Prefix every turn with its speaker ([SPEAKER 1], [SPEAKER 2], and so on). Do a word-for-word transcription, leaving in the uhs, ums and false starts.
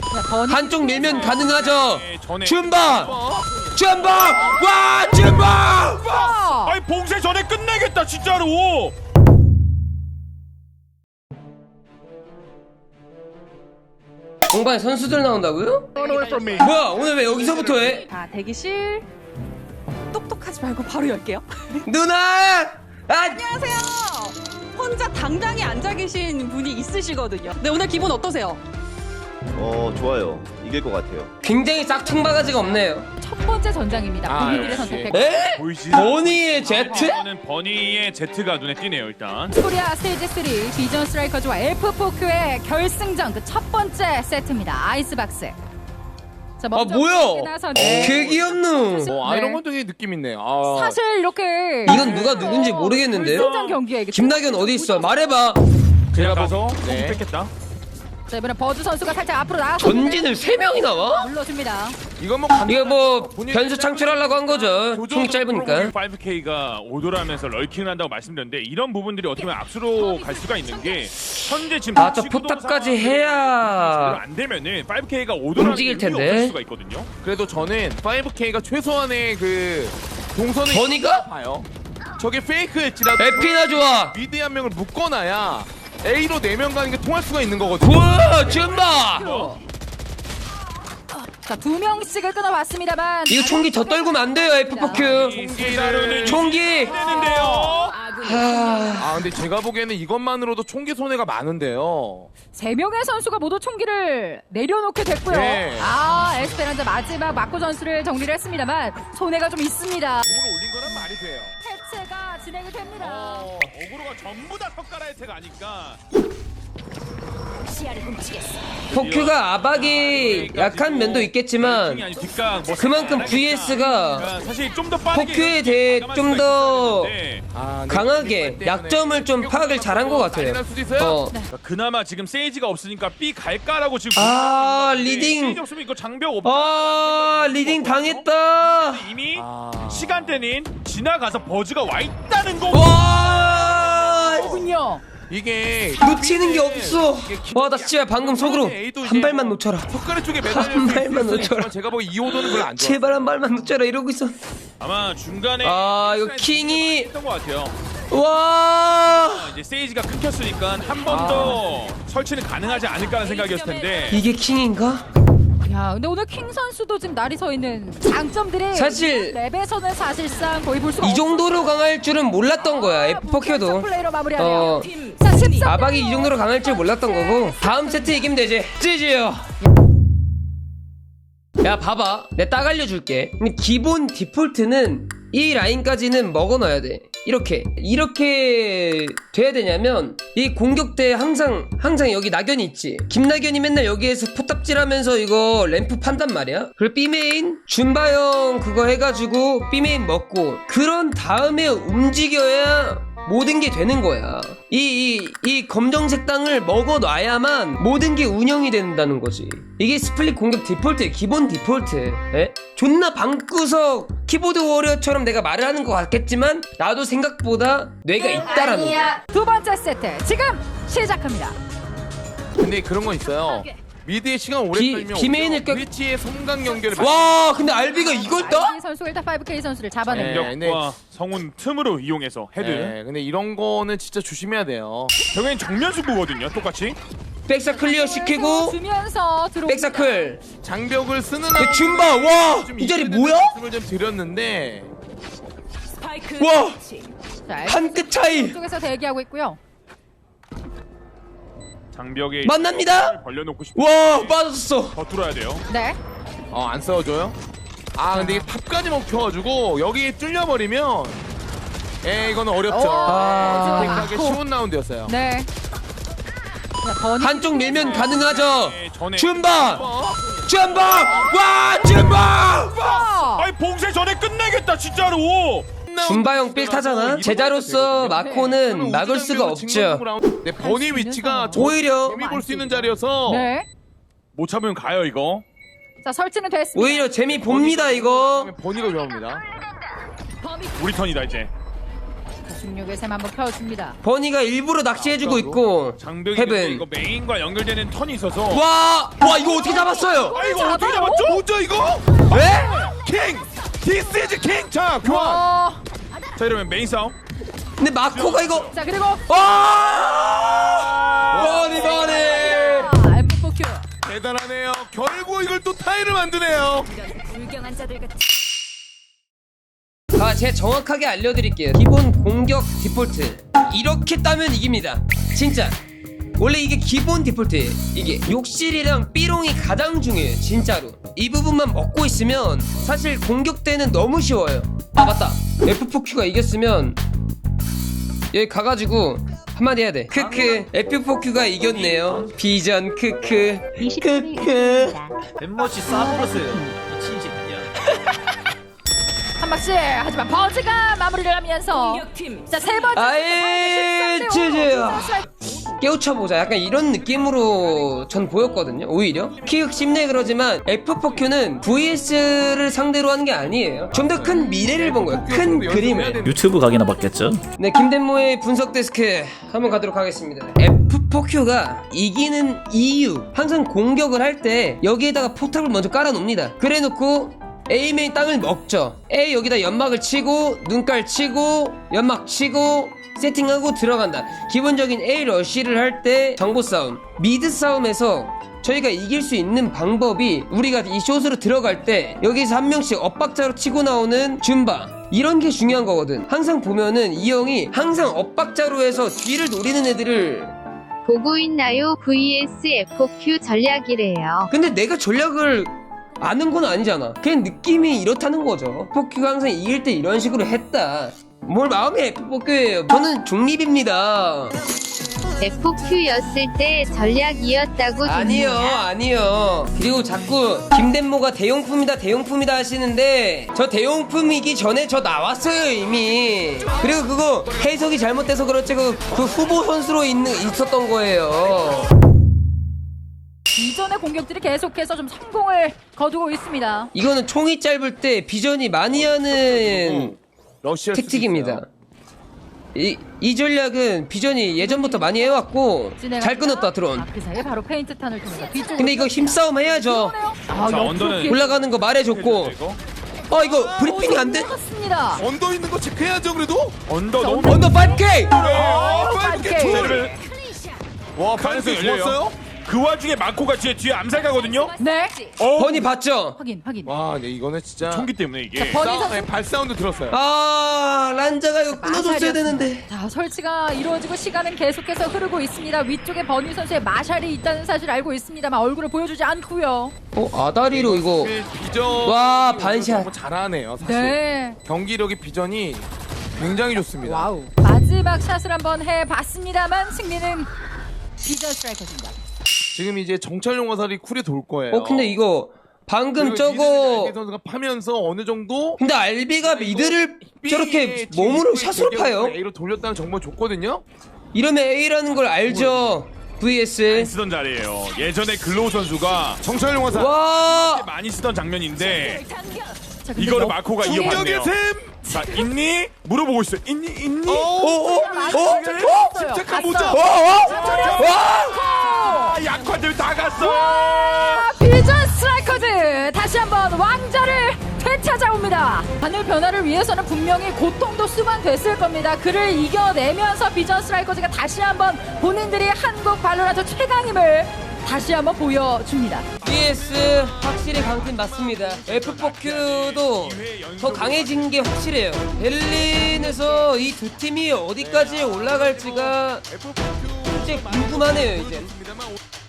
[SPEAKER 1] 한쪽 밀면 가능하죠. 줌바 줌바 와 줌바.
[SPEAKER 2] 아니 봉쇄 전에 끝내겠다 진짜로.
[SPEAKER 1] 공방에 선수들 나온다고요? 뭐야 오늘 왜 여기서부터 해?
[SPEAKER 3] 자, 대기실. 똑똑하지 말고 바로 열게요.
[SPEAKER 1] 누나! 아!
[SPEAKER 3] 안녕하세요. 혼자 당당히 앉아 계신 분이 있으시거든요. 네, 오늘 기분 어떠세요?
[SPEAKER 4] 어 좋아요. 이길 것 같아요.
[SPEAKER 1] 굉장히 짝퉁바가지가 없네요.
[SPEAKER 5] 첫 번째 전장입니다.
[SPEAKER 2] 아,
[SPEAKER 5] 본인들의
[SPEAKER 2] 역시.
[SPEAKER 5] 선택.
[SPEAKER 1] 에?
[SPEAKER 2] 보이지?
[SPEAKER 1] 버니의 제트?
[SPEAKER 2] 저는 버니의 제트가 눈에 띄네요 일단.
[SPEAKER 5] 코리아 스테이지 삼 비전 스트라이커즈와 엘프포크의 결승전 그 첫 번째 세트입니다. 아이스박스. 자,
[SPEAKER 1] 아
[SPEAKER 5] 먼저
[SPEAKER 1] 뭐야?
[SPEAKER 5] 나선-
[SPEAKER 1] 개 귀엽누.
[SPEAKER 6] 어, 아이런건등의 느낌 있네. 아.
[SPEAKER 5] 사실 이렇게
[SPEAKER 1] 이건 누가 누군지 모르겠는데요?
[SPEAKER 5] 결승전 경기에 이게
[SPEAKER 1] 김나균 어디 있어? 말해봐.
[SPEAKER 2] 제가 봐서
[SPEAKER 6] 네.
[SPEAKER 2] 뺐겠다.
[SPEAKER 5] 자, 이번엔 버즈 선수가 살짝 앞으로 나와서
[SPEAKER 1] 전진을 세 명이 나와?
[SPEAKER 5] 눌러줍니다.
[SPEAKER 6] 이거 뭐
[SPEAKER 1] 이거 뭐 변수 창출하려고 한 거죠. 총이 짧으니까.
[SPEAKER 2] 파이브 케이가 오돌하면서 럴킹을 한다고 말씀드렸는데 이런 부분들이 어떻게 보면 앞으로 갈 수가 있는 게 현재 지금
[SPEAKER 1] 아, 저 포탑까지 해야
[SPEAKER 2] 안 되면은 파이브 케이가 오돌하는
[SPEAKER 1] 움직일
[SPEAKER 2] 이유가
[SPEAKER 1] 텐데.
[SPEAKER 2] 없을 수가 있거든요.
[SPEAKER 6] 그래도 저는 파이브 케이가 최소한의 그 동선을
[SPEAKER 1] 버니가?
[SPEAKER 6] 봐요. 저게 페이크일지라도
[SPEAKER 1] 에피나 좋아.
[SPEAKER 6] 미드 한 명을 묶어놔야 A로 네 명 가는 게 통할 수가 있는 거거든요.
[SPEAKER 1] 우와 줌바.
[SPEAKER 5] 자, 두 명씩을 끊어봤습니다만
[SPEAKER 1] 이거 총기 더 떨구면 안 돼요 에프포큐.
[SPEAKER 6] 총기를
[SPEAKER 1] 총기.
[SPEAKER 2] 되는데요.
[SPEAKER 1] 하...
[SPEAKER 6] 아 근데 제가 보기에는 이것만으로도 총기 손해가 많은데요.
[SPEAKER 5] 세 명의 선수가 모두 총기를 내려놓게 됐고요.
[SPEAKER 6] 네.
[SPEAKER 5] 아, 에스페란자 마지막 마코 전술을 정리를 했습니다만 손해가 좀 있습니다.
[SPEAKER 6] 공을 올린 거란 말이 돼요.
[SPEAKER 5] 해체가 진행이 됩니다.
[SPEAKER 2] 어, 어그로가 전부 다 석가라 혜택 아니까.
[SPEAKER 1] 포큐가 아박이 약한 면도 있겠지만
[SPEAKER 2] 아니, 뒷각 뭐
[SPEAKER 1] 그만큼
[SPEAKER 2] 하니까.
[SPEAKER 1] 브이에스가
[SPEAKER 2] 사실 좀 더 빠르게
[SPEAKER 1] 포큐에 대해 좀 더
[SPEAKER 6] 아, 근데
[SPEAKER 1] 강하게
[SPEAKER 6] 때문에
[SPEAKER 1] 약점을 좀 파악을 잘한 것 같아요.
[SPEAKER 6] 난리 날 수도 있어요.
[SPEAKER 1] 어.
[SPEAKER 2] 그러니까 그나마 지금 세이지가 없으니까 B 갈까라고 지금
[SPEAKER 1] 아,
[SPEAKER 2] 고민하는 건데
[SPEAKER 1] 리딩.
[SPEAKER 2] 세이지 없으면 이거 장벽 없다.
[SPEAKER 1] 아 리딩 당했다.
[SPEAKER 2] 이미
[SPEAKER 6] 아.
[SPEAKER 2] 시간대는 지나가서 버즈가 와 있다는 거.
[SPEAKER 1] 와
[SPEAKER 5] 군요.
[SPEAKER 6] 이게
[SPEAKER 1] 놓치는 게 없어. 와 나 진짜 방금 속으로 한 발만 놓쳐라.
[SPEAKER 6] 석가래 쪽에
[SPEAKER 1] 한
[SPEAKER 6] 매달려 있을
[SPEAKER 1] 발만
[SPEAKER 6] 수
[SPEAKER 1] 놓쳐라.
[SPEAKER 6] 있지만 제가 보기 이 호도는 별로 안 좋아.
[SPEAKER 1] 제발 한 발만 놓쳐라 이러고 있어.
[SPEAKER 2] 아마 중간에
[SPEAKER 1] 아, 이거 킹이-
[SPEAKER 2] 했던 것 같아요.
[SPEAKER 1] 와
[SPEAKER 2] 이제 세이지가 끊겼으니까 한 번 더 설치는 가능하지 않을까라는 생각이었을 텐데.
[SPEAKER 1] 이게 킹인가?
[SPEAKER 5] 야, 근데 오늘 킹 선수도 지금 날이 서 있는 장점들이
[SPEAKER 1] 사실
[SPEAKER 5] 랩에서는 사실상 거의 볼 수가
[SPEAKER 1] 이 정도로 강할 줄은 몰랐던 거야 에프포큐도.
[SPEAKER 5] 플레이로 마무리하네요.
[SPEAKER 1] 어.
[SPEAKER 5] 자, 십삼
[SPEAKER 1] 아박이 이 정도로 강할 줄 몰랐던 거고 다음 세트 이기면 되지. 찌지요. 야 봐봐 내가 딱 알려줄게. 근데 기본 디폴트는 이 라인까지는 먹어놔야 돼. 이렇게 이렇게 돼야 되냐면 이 공격 때 항상 항상 여기 낙연이 있지. 김낙연이 맨날 여기에서 포탑질하면서 이거 램프 판단 말이야. 그리고 B메인 준바형 그거 해가지고 B메인 먹고 그런 다음에 움직여야 모든 게 되는 거야. 이, 이, 이 검정색 땅을 먹어놔야만 모든 게 운영이 된다는 거지. 이게 스플릿 공격 디폴트의 기본 디폴트. 에? 존나 방구석 키보드 워리어처럼 내가 말을 하는 것 같겠지만 나도 생각보다 뇌가 있다라는 거야.
[SPEAKER 5] 두 번째 세트 지금 시작합니다.
[SPEAKER 6] 근데 그런 건 있어요. 미드의 시간 오래
[SPEAKER 1] 비-
[SPEAKER 6] 끌면
[SPEAKER 1] 비메인을 껴-
[SPEAKER 6] 위치의 성강 연결을
[SPEAKER 1] 와 근데 알비가 이걸 떠?
[SPEAKER 5] 아이비 선수가 일단 파이브 케이 선수를 잡아냅니다.
[SPEAKER 6] 네.
[SPEAKER 2] 공격과 성운 틈으로 이용해서 헤드.
[SPEAKER 6] 네, 근데 이런 거는 진짜 조심해야 돼요.
[SPEAKER 2] 결국엔 정면 승부거든요. 똑같이.
[SPEAKER 1] 백사 클리어 시키고
[SPEAKER 5] 주면서 들어.
[SPEAKER 1] 백사클
[SPEAKER 6] 장벽을 쓰는
[SPEAKER 1] 그 줌바 와 이 자리 뭐야?
[SPEAKER 6] 말씀을 좀 드렸는데
[SPEAKER 1] 와
[SPEAKER 5] 자,
[SPEAKER 1] 한 끗 차이
[SPEAKER 5] 쪽에서 대기하고 있고요.
[SPEAKER 2] 장벽에
[SPEAKER 1] 만납니다.
[SPEAKER 2] 벌려놓고 싶어.
[SPEAKER 1] 와 빠졌어.
[SPEAKER 2] 더 뚫어야 돼요.
[SPEAKER 5] 네.
[SPEAKER 6] 어, 안 싸워줘요? 아 근데 이게 탑까지 먹혀가지고 여기 뚫려버리면 에 이거는 어렵죠.
[SPEAKER 1] 아.
[SPEAKER 6] 선택하기 쉬운 라운드였어요.
[SPEAKER 5] 네. 자, 버니
[SPEAKER 1] 한쪽 밀면 가능하죠.
[SPEAKER 2] 네, 전에
[SPEAKER 1] 줌바 줌바 와 줌바.
[SPEAKER 2] 아니 봉쇄 전에 끝내겠다 진짜로.
[SPEAKER 1] 줌바형 빌 타잖아. 제자로서 마코는 막을 수가 없죠.
[SPEAKER 6] 네, 버니 위치가 저
[SPEAKER 1] 오히려
[SPEAKER 6] 재미 볼 수 있는 자리여서
[SPEAKER 5] 네.
[SPEAKER 2] 못 참으면 가요 이거.
[SPEAKER 5] 자, 설치는 됐습니다.
[SPEAKER 1] 오히려 재미 봅니다 이거.
[SPEAKER 6] 버니가 위험합니다.
[SPEAKER 2] 우리 턴이다 이제.
[SPEAKER 5] 십육에 샘 한번 켜줍니다.
[SPEAKER 1] 버니가 일부러 낚시해주고 있고
[SPEAKER 2] 장벽이
[SPEAKER 1] 헤븐.
[SPEAKER 2] 이거 메인과 연결되는 턴이 있어서
[SPEAKER 1] 와! 와 이거 어떻게 잡았어요?
[SPEAKER 2] 아 이거 어떻게 잡았죠?
[SPEAKER 6] 뭐죠 이거?
[SPEAKER 1] 왜?
[SPEAKER 6] 킹! 디스 이즈 킹! 자 교환!
[SPEAKER 5] 어,
[SPEAKER 2] 자 이러면 메인 싸움.
[SPEAKER 1] 근데 마코가 이거
[SPEAKER 5] 자 그리고
[SPEAKER 1] 와! 버니 버니!
[SPEAKER 5] 아, 에프 포 큐.
[SPEAKER 6] 대단하네요. 결국 이걸 또 타이를 만드네요.
[SPEAKER 1] 아, 제가 정확하게 알려드릴게요. 기본 공격 디폴트 이렇게 따면 이깁니다. 진짜 원래 이게 기본 디폴트예요. 이게 욕실이랑 삐롱이 가장 중요해요. 진짜로 이 부분만 먹고 있으면 사실 공격 때는 너무 쉬워요. 아 맞다, 에프 포 큐가 이겼으면 여기 가가지고 한마디 해야 돼. 크크 에프 포 큐가 이겼네요. 비전 크크 크크.
[SPEAKER 7] 멤버시 싸버렸어요. 미친 새끼야.
[SPEAKER 5] 한 박씩 하지만 버즈가 마무리를 하면서 자 세 번째
[SPEAKER 1] 아이 쯔쯔야 깨우쳐보자 약간 이런 느낌으로 전 보였거든요. 오히려 키읔 씹네 그러지만 에프 포 큐는 브이에스를 상대로 하는 게 아니에요. 좀 더 큰 미래를 본 거예요. 큰 그림을.
[SPEAKER 7] 유튜브 각이나 봤겠죠?
[SPEAKER 1] 네, 김덴모의 분석 데스크 한번 가도록 하겠습니다. 에프 포 큐가 이기는 이유, 항상 공격을 할 때 여기에다가 포탑을 먼저 깔아놓습니다. 그래놓고 A 메인 땅을 먹죠. A 여기다 연막을 치고 눈깔 치고 연막 치고 세팅하고 들어간다. 기본적인 A 러쉬를 할 때 정보 싸움, 미드 싸움에서 저희가 이길 수 있는 방법이 우리가 이 숏으로 들어갈 때 여기서 한 명씩 엇박자로 치고 나오는 줌바, 이런 게 중요한 거거든. 항상 보면은 이 형이 항상 엇박자로 해서 뒤를 노리는 애들을.
[SPEAKER 8] 보고 있나요? 브이에스 에프 포 큐 전략이래요.
[SPEAKER 1] 근데 내가 전략을 아는 건 아니잖아. 그냥 느낌이 이렇다는 거죠. 에프 포 큐가 항상 이길 때 이런 식으로 했다. 뭘 마음이 에프 포 큐예요. 저는 중립입니다.
[SPEAKER 8] 에프 포 큐였을 때 전략이었다고
[SPEAKER 1] 아니요,
[SPEAKER 8] 듣는다.
[SPEAKER 1] 아니요. 그리고 자꾸 김덴모가 대용품이다, 대용품이다 하시는데 저 대용품이기 전에 저 나왔어요 이미. 그리고 그거 해석이 잘못돼서 그렇지 그, 그 후보 선수로 있는 있었던 거예요.
[SPEAKER 5] 이전의 공격들이 계속해서 좀 성공을 거두고 있습니다.
[SPEAKER 1] 이거는 총이 짧을 때 비전이 많이 하는
[SPEAKER 6] 러시아
[SPEAKER 1] 택틱입니다. 이, 이 전략은 비전이 예전부터 많이 해왔고 잘 끊었다 드론.
[SPEAKER 5] 아, 그 사이에 바로 페인트 탄을 통해서 뒤쪽으로.
[SPEAKER 1] 근데 이거 힘싸움 해야죠.
[SPEAKER 5] 아,
[SPEAKER 2] 자,
[SPEAKER 5] 옆으로
[SPEAKER 2] 언더는
[SPEAKER 5] 피해-
[SPEAKER 1] 올라가는 거 말해줬고.
[SPEAKER 2] 이거
[SPEAKER 1] 어 이거 브리핑이 안 돼?
[SPEAKER 5] 맞습니다.
[SPEAKER 6] 언더 있는 거 체크해야죠 그래도.
[SPEAKER 2] 언더 너무
[SPEAKER 1] 언더 파이브 케이!
[SPEAKER 6] 어,
[SPEAKER 5] 파이브
[SPEAKER 6] 파이브
[SPEAKER 5] 케이.
[SPEAKER 6] 개
[SPEAKER 2] 를
[SPEAKER 6] 와
[SPEAKER 2] 가능성이
[SPEAKER 6] 반응이
[SPEAKER 2] 열려요.
[SPEAKER 6] 좋았어요?
[SPEAKER 2] 그 와중에 마코가 뒤에 뒤에 암살 가거든요.
[SPEAKER 5] 네.
[SPEAKER 2] 어,
[SPEAKER 1] 버니 봤죠?
[SPEAKER 5] 확인, 확인.
[SPEAKER 6] 와, 네 이거는 진짜.
[SPEAKER 2] 총기 때문에 이게.
[SPEAKER 5] 버니
[SPEAKER 6] 싸-
[SPEAKER 5] 선수.
[SPEAKER 6] 네, 발 사운드 들었어요.
[SPEAKER 1] 아 란자가 이거 끊어줬어야
[SPEAKER 5] 마샬이었습니다.
[SPEAKER 1] 되는데.
[SPEAKER 5] 자, 설치가 이루어지고 시간은 계속해서 흐르고 있습니다. 위쪽에 버니 선수의 마샬이 있다는 사실 알고 있습니다만 얼굴을 보여주지 않고요.
[SPEAKER 1] 어 아다리로 이거.
[SPEAKER 6] 비전.
[SPEAKER 1] 와, 반샷.
[SPEAKER 6] 너무 잘하네요 사실.
[SPEAKER 5] 네.
[SPEAKER 6] 경기력이 비전이 굉장히 좋습니다.
[SPEAKER 5] 와우. 마지막 샷을 한번 해봤습니다만 승리는 비전 스트라이커입니다.
[SPEAKER 6] 지금 이제 정찰용 화살이 쿨에 돌 거예요.
[SPEAKER 1] 어 근데 이거 방금
[SPEAKER 6] 그리고
[SPEAKER 1] 저거.
[SPEAKER 6] 알비 선수가 파면서 어느 정도
[SPEAKER 1] 근데 알비가 미드를 저렇게 몸으로 샷으로 파요.
[SPEAKER 6] A로 돌렸다는 정보 줬거든요.
[SPEAKER 1] 이러면 A라는 걸 알죠. 브이에스.
[SPEAKER 2] 쓰던 자리예요. 예전에 글로우 선수가
[SPEAKER 6] 정찰용 화살.
[SPEAKER 1] 와.
[SPEAKER 2] 많이 쓰던 장면인데
[SPEAKER 5] 자, 근데
[SPEAKER 2] 이거를
[SPEAKER 5] 역-
[SPEAKER 2] 마코가
[SPEAKER 6] 충격의
[SPEAKER 2] 이어받네요.
[SPEAKER 6] 샘.
[SPEAKER 2] 자 있니? 물어보고 있어요. 있니? 있니?
[SPEAKER 6] 어, 어, 어,
[SPEAKER 5] 갔어요.
[SPEAKER 6] 침착한
[SPEAKER 5] 갔어.
[SPEAKER 6] 모자.
[SPEAKER 1] 어, 어? 와.
[SPEAKER 2] 아, 약화들 다 갔어.
[SPEAKER 5] 아, 비전 스트라이커즈 다시 한번 왕자를 되찾아옵니다. 하늘 변화를 위해서는 분명히 고통도 수반됐을 겁니다. 그를 이겨내면서 비전 스트라이커즈가 다시 한번 본인들이 한국 발로란트 최강임을 다시 한번 보여줍니다.
[SPEAKER 1] 브이에스 확실히 강팀 맞습니다. 에프 포 큐도 더 강해진 게 확실해요. 베를린에서 이 두 팀이 어디까지 올라갈지가
[SPEAKER 6] 에프 포 큐
[SPEAKER 1] 진짜 궁금하네요 이제.
[SPEAKER 6] 있습니다만